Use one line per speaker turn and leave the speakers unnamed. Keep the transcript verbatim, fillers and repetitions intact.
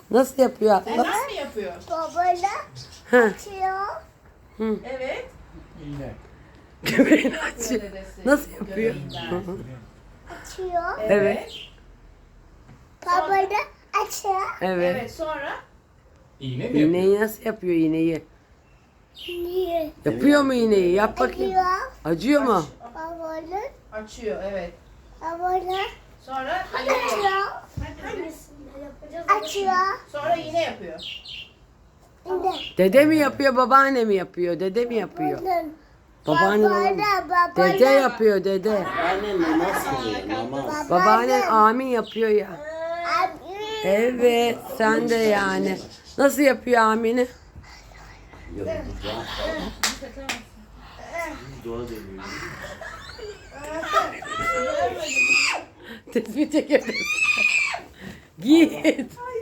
Nasıl yapıyor Atlas?
Neden mi yapıyor?
Babayla
Hı.
açıyor.
Hı.
Evet.
İğne.
Göbeğini
Yapıyor
açıyor.
dedesi.
Nasıl yapıyor?
Göbeğinden.
Hı hı.
Açıyor.
Evet.
Babayla açıyor.
Evet.
Evet, sonra
İğne mi yapıyor?
İğneyi nasıl yapıyor iğneyi?
Niye?
Yapıyor mu iğneyi? Yap bakayım.
Açıyor.
Acıyor mu?
Babayla.
açıyor, evet.
Babayla
Sonra iğne yapıyor.
açıyor. Açıyor.
Sonra iğne yapıyor.
Yine.
Dede mi yapıyor, babaanne mi yapıyor? Dede mi yapıyor?
Bunun.
Babaanne olamaz.
Babayla babayla.
Dede yapıyor dede.
Anne namaz kılıyor namaz.
Babaannen amin yapıyor ya.
Abi.
Evet sen de yani. Nasıl yapıyor amini?
Yok dua. Dua deniyor.
Tespih çekebilirsin. Git.